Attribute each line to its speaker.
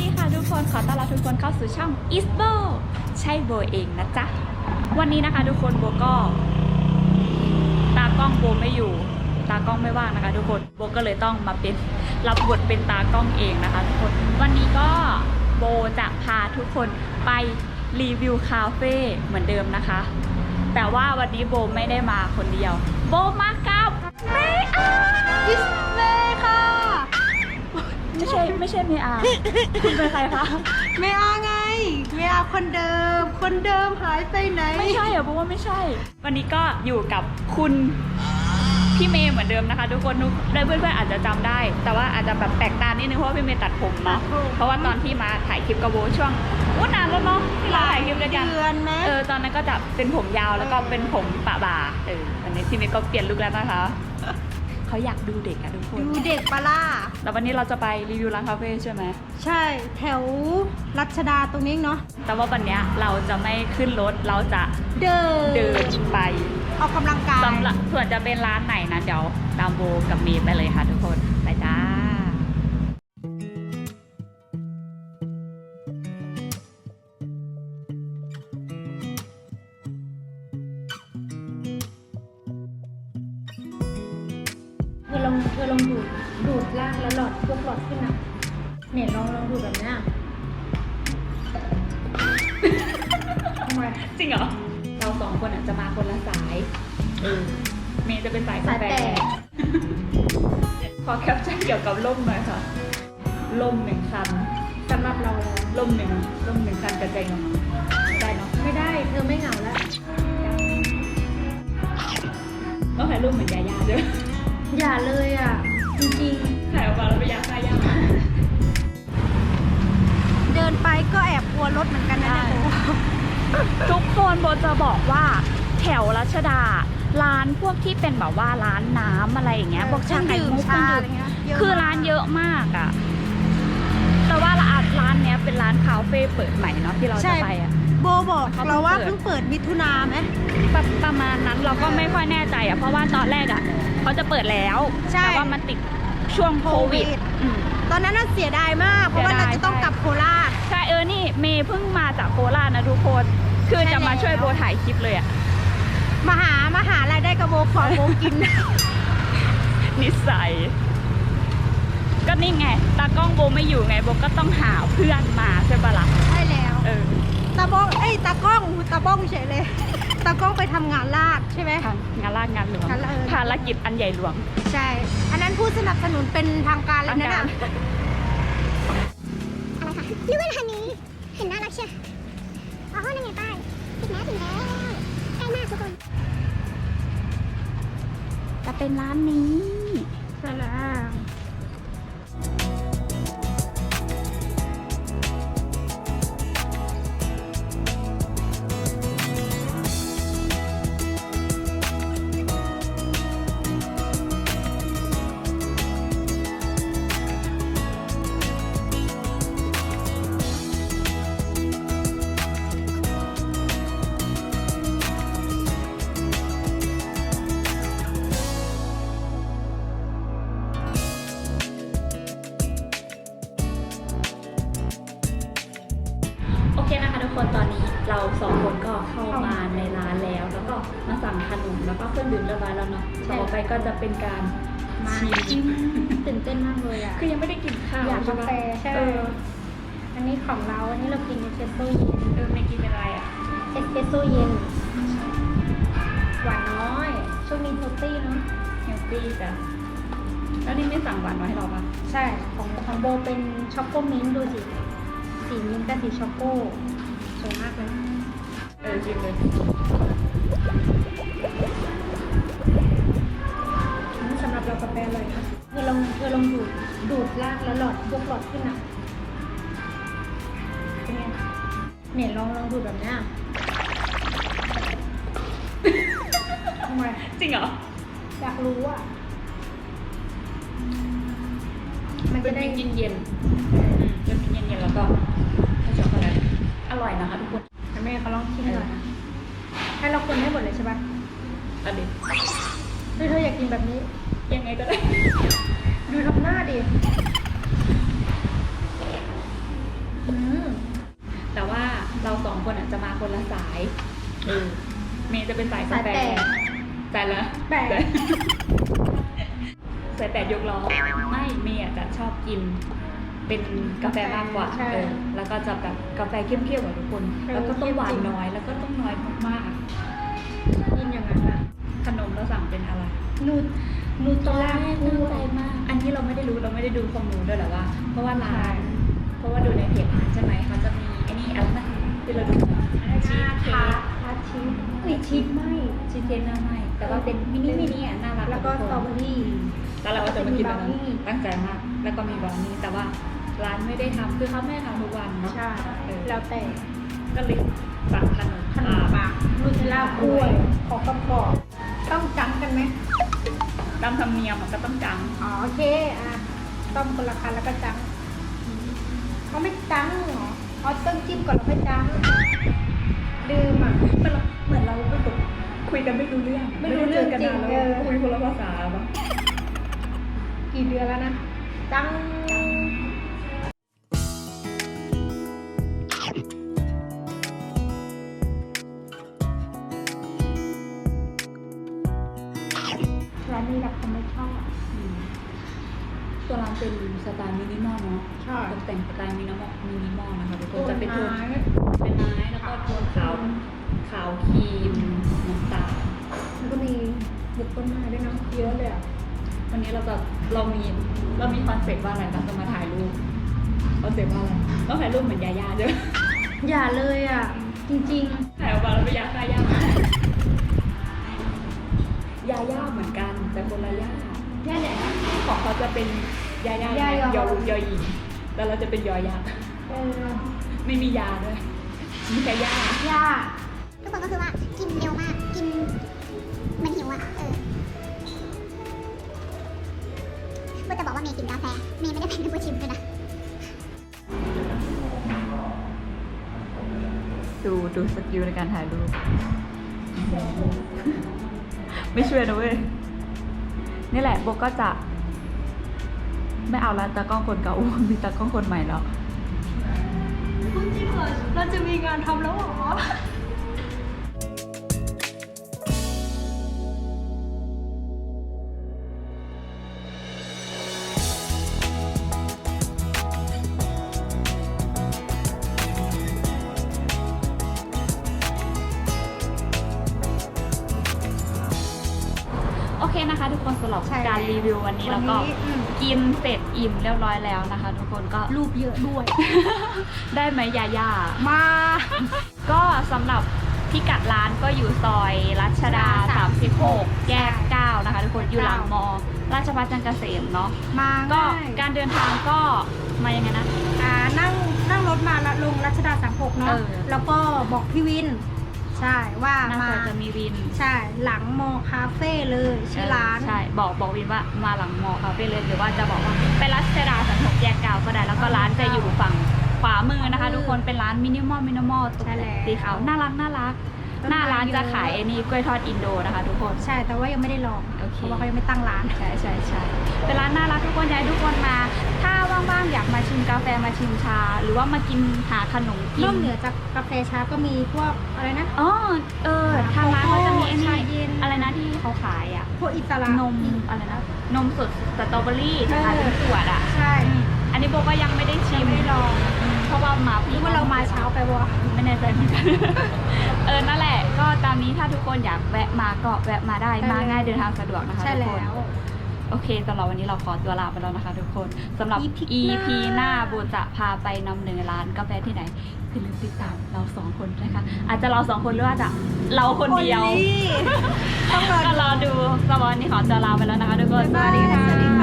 Speaker 1: ดีค่ะทุกคนขอต้อนรับทุกคนเข้าสู่ช่อง Is Bo ใช่โบเองนะจ๊ะวันนี้นะคะทุกคนโบก็ตากล้องโบไม่อยู่ตากล้องไม่ว่างนะคะทุกคนโบก็เลยต้องมาเป็นรับบทเป็นตากล้องเองนะคะทุกคนวันนี้ก็โบจะพาทุกคนไปรีวิวคาเฟ่เหมือนเดิมนะคะแต่ว่าวันนี้โบไม่ได้มาคนเดียวโบมากับเมอาอิสเมค่ะไม่ใช่เมอาคุณเป็นใครคะ
Speaker 2: เมอาไงเมอาคนเดิมหายไปไหน
Speaker 1: ไม่ใช่เหรอเพราะว่าไม่ใช่วันนี้ก็อยู่กับคุณพี่เมย์เหมือนเดิมนะคะทุกคนได้เพื่อนๆอาจจะจำได้แต่ว่าอาจจะแบบแปลกตานิดนึงเพราะว่าพี่เมย์ตัดผมเนาะเพราะว่าตอนที่มาถ่ายคลิปกับโบช่วงนานแล้วเนาะที่เราถ่ายคลิปกันยังตอนนั้นก็จะเป็นผมยาวแล้วก็เป็นผมปะบ่าอันนี้พี่เมย์ก็เปลี่ยนลุคแล้วนะคะเขาอยากดูเด็กอะทุกคน
Speaker 2: ดูเด็กปะล่ะ
Speaker 1: แล้ววันนี้เราจะไปรีวิวร้านคาเฟ่ใช่ไหม
Speaker 2: ใช่แถวรัชดาตรงนี้เนาะ
Speaker 1: แต่ว่าวันนี้เราจะไม่ขึ้นรถเราจะ
Speaker 2: เดิน
Speaker 1: ไป
Speaker 2: ออกกำลังกาย
Speaker 1: ส่วนจะเป็นร้านไหนนะเดี๋ยวตามโบกับเมย์ไปเลยค่ะทุกคนไปจ้า
Speaker 2: เธอลองดูดล่างแล้วหลอดพวกหลอดขึ้นอ่ะเนี่ยลองดูแบบนี้
Speaker 1: ทำไมจริงเหรอเราสองคนจะมาคนละสายเมย์จะเป็นสายกาแฟขอแคปชั่นเกี่ยวกับล่มหน่อยค่ะล่มหนึ่งคัน
Speaker 2: สำหรับเรา
Speaker 1: ล่มหนึ่งคันกระจายเงาได้เนาะ
Speaker 2: ไม่ได้เธอไม่เหงาแล้ว
Speaker 1: ต้องถ่ายรูปเหมือนยาย่าด้วย
Speaker 2: อย่าเลยอ่ะจริง
Speaker 1: ๆถ่ายออกมาแล้วไปยาค่ายา
Speaker 2: เดินไปก็แอบกลัวรถเหมือนกันนะเนี่ย
Speaker 1: ทุกคนโบจะบอกว่าแถวรัชดาร้านพวกที่เป็นแบบว่าร้านน้ำอะไรอย่างเงี้ยบอกชาไข่มุกคือร้านเยอะมากอ่ะแต่ว่าร้านเนี้ยเป็นร้านคาเฟ่เปิดใหม่เนาะที่เราจะไปอ่ะ
Speaker 2: โบบอกเราว่าเพิ่งเปิดมิถุนาไหม
Speaker 1: ประมาณนั้นเราก็ไม่ค่อยแน่ใจอ่ะเพราะว่าตอนแรกอ่ะเขาจะเปิดแล้วแต่ว่ามันติดช่วงโควิด
Speaker 2: ตอนนั้นน่าเสียดายมากเพราะว่าเราจะต้องกลับโคราช
Speaker 1: ใช่นี่เมย์เพิ่งมาจากโคราชนะทุกคนคือจะมาช่วยโบถ่ายคลิปเลยอ่ะ
Speaker 2: มาหารายได้กับโบขอโบกิน
Speaker 1: นิสัยก็นี่ไงตากล้องโบไม่อยู่ไงโบก็ต้องหาเพื่อนมาใช่ปะล่ะ
Speaker 2: ใช่แล้วตากล้องเฉยเลยตากล้องไปทำงานลาดใช่ไหม
Speaker 1: งานลาดงานหลวงภารกิจอันใหญ่หลวง
Speaker 2: ใช่อันนั้นผู้สนับสนุนเป็นทางการเลยนะอะไรคะนึกว่าร้านนี้เห็นน่ารักเชียวอ๋อนั่นไงป้ายถึงแล้วใกล้มากทุกคน
Speaker 1: จะเป็นร้านนี้
Speaker 2: ใช่แล้ว
Speaker 1: นะคะทุกคนตอนนี้เราสองคนก็เข้ามาในร้านแล้วก็มาสั่งขนมแล้วก็เครื่องดื่มเรียบร้อยแล้วเนาะต่อไปก็จะเป็นการชิม
Speaker 2: ตื่นเต้นมากเลยอ่ะ
Speaker 1: คือยังไม่ได้กินข้าว
Speaker 2: อยากกาแฟใช่อันนี้ของเราอันนี้เรากินเอสเปรสโซ่เย็น
Speaker 1: ไม่กินอะไรอ่ะ
Speaker 2: เอสเปรสโซ่เย็นหวานน้อยช่วงนี้เฮลตี้เนาะ
Speaker 1: เฮลตี้จ้ะแล้วนี่ไม่สั่งหวานน้อยให้เราปะ
Speaker 2: ใช่ของโบเป็นช็อกโกมิ้นท์ดูสิสีมิ้นท์กับสีช็อกโกสวยมากเลย
Speaker 1: จริงเลย
Speaker 2: นี่สำหรับเรากาแฟเลยนะเธอลองดูดลากแล้วหลอดพวกหลอดขึ้นอ่ะเป็นไงเนี่ยลองดูแบบนี้ทำไม
Speaker 1: จริงเหรอ
Speaker 2: อยากรู้อ่ะ
Speaker 1: มันจะได้เย็นจะกินเย็นแล้วก็ช็อกโกแลตอร่อยนะคะทุกคน
Speaker 2: แม่เขาลองชิมหน่อยให้เราคนให้หมดเลยใช่ปะ
Speaker 1: อันนี้
Speaker 2: เธออยากกินแบบนี้
Speaker 1: ยังไงก็ได้
Speaker 2: ดูทำหน้าดิ
Speaker 1: ละสายเมย์จะเป็นสายกาแฟสายละ
Speaker 2: แปด
Speaker 1: สายแปดยกล้อไม่เมย์จะชอบกินเป็นกาแฟมากกว่าแล้วก็จะแบบกาแฟเข้มๆกว่าทุกคนแล้วก็ต้องหวานน้อยแล้วก็ต้องน้อยมาก
Speaker 2: กินอย่างนั้นนะ
Speaker 1: ๆขนมเราสั่งเป็นอะไร
Speaker 2: นูตล่า
Speaker 1: ตั้งใจมากอันนี้เราไม่ได้ดูข้อมูลด้วยหรอว่าเพราะว่าร้านเพราะว่าดูในเพจร้านใช่ไหมเขาจะมีไอ้นี่อะไรนะที่เราดูชีสเค้ก
Speaker 2: ทาชีสชีสไม่
Speaker 1: ชีสเค้กหน้าไหม้แต่ว่าเป็นมินิอ่ะน่ารัก
Speaker 2: แล้วก็สตรอเบอรี่
Speaker 1: แล้วเราก็จะมากินแบบนั้นตั้งใจมากแล้วก็มีบราวนี่แต่ว่าร้านไม่ได้ทำคือเขาไม่ได้ทำทุกวันเนาะ
Speaker 2: ใช่แล้วแต่
Speaker 1: ก็เลยสั่งขนม
Speaker 2: ขนมปังนูเทลล่ากล้วยของกระป๋องต้องจังกันไหม
Speaker 1: ตามธรรมเนียมก็ต้องจัง
Speaker 2: อ๋อโอเคต้มคนละคันแล้วก็จังเขาไม่จังเหรอเขาต้องจิ้มก่อนแล้วค่อยจังดื่ม
Speaker 1: เหมือนเราแบบคุยกันไม่รู้เรื่อง
Speaker 2: ไม่รู้เรื่อง
Speaker 1: กัน
Speaker 2: จริง
Speaker 1: แล้วคุยคนละภาษาปะ
Speaker 2: กี่เดือนแล้วนะจังร้านนี้รับคนไม่ชอบ
Speaker 1: ตัวร้านเป็นสไตล์มินิมอลเนาะ
Speaker 2: ใช่
Speaker 1: ตกแต่งสไตล์มินิมอลนะคะทุกคนจะเป็นโทน
Speaker 2: ไม้
Speaker 1: เป็นไม้แล้วก็โทนขาวครีมน้ำตาล
Speaker 2: แล้วก็มีบุกต้นไม้ด้วยนะเยอะเลยอ่ะ
Speaker 1: วันนี้เรามีคอนเซ็ปต์ว่าอะไรเราจะมาถ่ายรูปคอนเซ็ปต์ว่าอะไรต้องถ่ายรูปเหมือนยาย่าด้วย
Speaker 2: อย่าเลยอ่ะ จริง
Speaker 1: ถ่ายออกมาแล้วไปยาค่ายายาย่าเหมือนกันแต่คนละย่า
Speaker 2: ๆย่าไหน
Speaker 1: ของเขาจะเป็นยาย่าย
Speaker 2: อ
Speaker 1: ยอหญิงแต่เราจะเป็นยอยักษ์ ไม่มียาด้วยมีแค่ย่า
Speaker 2: ย่า
Speaker 3: ทุกคนก็คือว่ากินเร็วมากกินเหมันหิวอ่ะก็จะบอกว่าเมย์กินกาแฟเมย์ไม่ได้เป็นผู้ชิมด้วยนะ
Speaker 1: ดูสกิลในการถ่ายรูป ไม่ช่วยนะเว้ยนี่แหละโบก็จะไม่เอาแล้วตากล้องคนเก่ามีตากล้องคนใหม่แล้ว
Speaker 2: คุณจริงเหรอเราจะมีงานทำแล้วเหรอ
Speaker 1: โอเคนะคะ ทุกคนสำหรับการรีวิววันนี้แล้วก็กินเสร็จอิ่มเรียบร้อยแล้วนะคะ ทุกคนก็
Speaker 2: รูปเยอะด้วย
Speaker 1: ได้ไหมยาย่า
Speaker 2: มา
Speaker 1: ก็สำหรับพิกัดร้านก็อยู่ซอยรัชดา 36 แยก 9 นะคะ ทุกคนอยู่หลังมอราชภัฏจันทร์เกษมเนาะ
Speaker 2: มา
Speaker 1: ก็
Speaker 2: ง่าย
Speaker 1: การเดินทางก็มายังไงนะ
Speaker 2: นั่งรถมาละลงรัชดา36เนาะ แล้วก็บอกพี่วิน ใช่ว่า
Speaker 1: หน้า
Speaker 2: มา
Speaker 1: ซอยจะมีวิน
Speaker 2: ใช่หลังมอคาเฟ่เลยชื่อร้าน
Speaker 1: ใช่บอกวินว่ามาหลังมอคาเฟ่เลยหรือว่าจะบอกว่าไปรัชดา36 แยก 9 ก็ได้แล้วก็ร้านจะอยู่ฝั่งขวามือนะคะ ทุกคนเป็นร้านมินิมอลตก
Speaker 2: ใช่แล้ว
Speaker 1: สีขาวน่ารัก
Speaker 2: ต้นไม้
Speaker 1: หน้าร้านจะขายไอ้นี่กล้วยทอดอินโดนะคะ ทุกคน
Speaker 2: ใช่แต่ว่ายังไม่ได้ลอง
Speaker 1: โอเค
Speaker 2: เพราะว่าเขายังไม่ตั้งร้าน
Speaker 1: ใช่เป็นร้านน่ารักทุกคนอยากให้ทุกคนมา ถ้าว่างๆอยากมาชิมกาแฟมาชิมชา หรือว่ามากินหาขนมกิ
Speaker 2: นอกเหนือจากกาแฟชาก็มีพวกอะไรนะ
Speaker 1: อ๋อทางร้านเขาจะมีไอ้
Speaker 2: ชา
Speaker 1: นี่
Speaker 2: เย็น
Speaker 1: อะไรนะที่เขาขายอ่ะ
Speaker 2: พวกอิสระ
Speaker 1: นมอะไรนะนมสดสตรอเบอรี่ที่ขายเป็นขวดอ่ะ
Speaker 2: ใช่
Speaker 1: อันนี้โบก็ยังไม่ได้ชิม
Speaker 2: ยังไม่ได้ลอง
Speaker 1: เพราะว่ามา
Speaker 2: หรือว่าเรามาเช้าไปวะ
Speaker 1: ไม่แน่ใจเหมือนกัน นั่นแหละ ก็ตามนี้ถ้าทุกคนอยากแวะมาก็แวะมาได้ มาง่ายเดินทางสะดวกนะคะ
Speaker 2: ใช่
Speaker 1: ทุก
Speaker 2: แล้
Speaker 1: คน
Speaker 2: ว
Speaker 1: โอเคสำหรับวันนี้เราขอตัวลาไปแล้วนะคะทุกคนสำหรับ EP หน้าโบจะพาไปนำเนินร้านกาแฟที่ไหนอย่าลืมติดตามเราสองคนนะคะอาจจะเราสองคนหรือว่าจะเราคนเดียว
Speaker 2: ต้องรอ
Speaker 1: ก็รอดูสำหรับวันนี้ขอตัวลาไปแล้วนะคะทุกคนสวัสดีค่ะ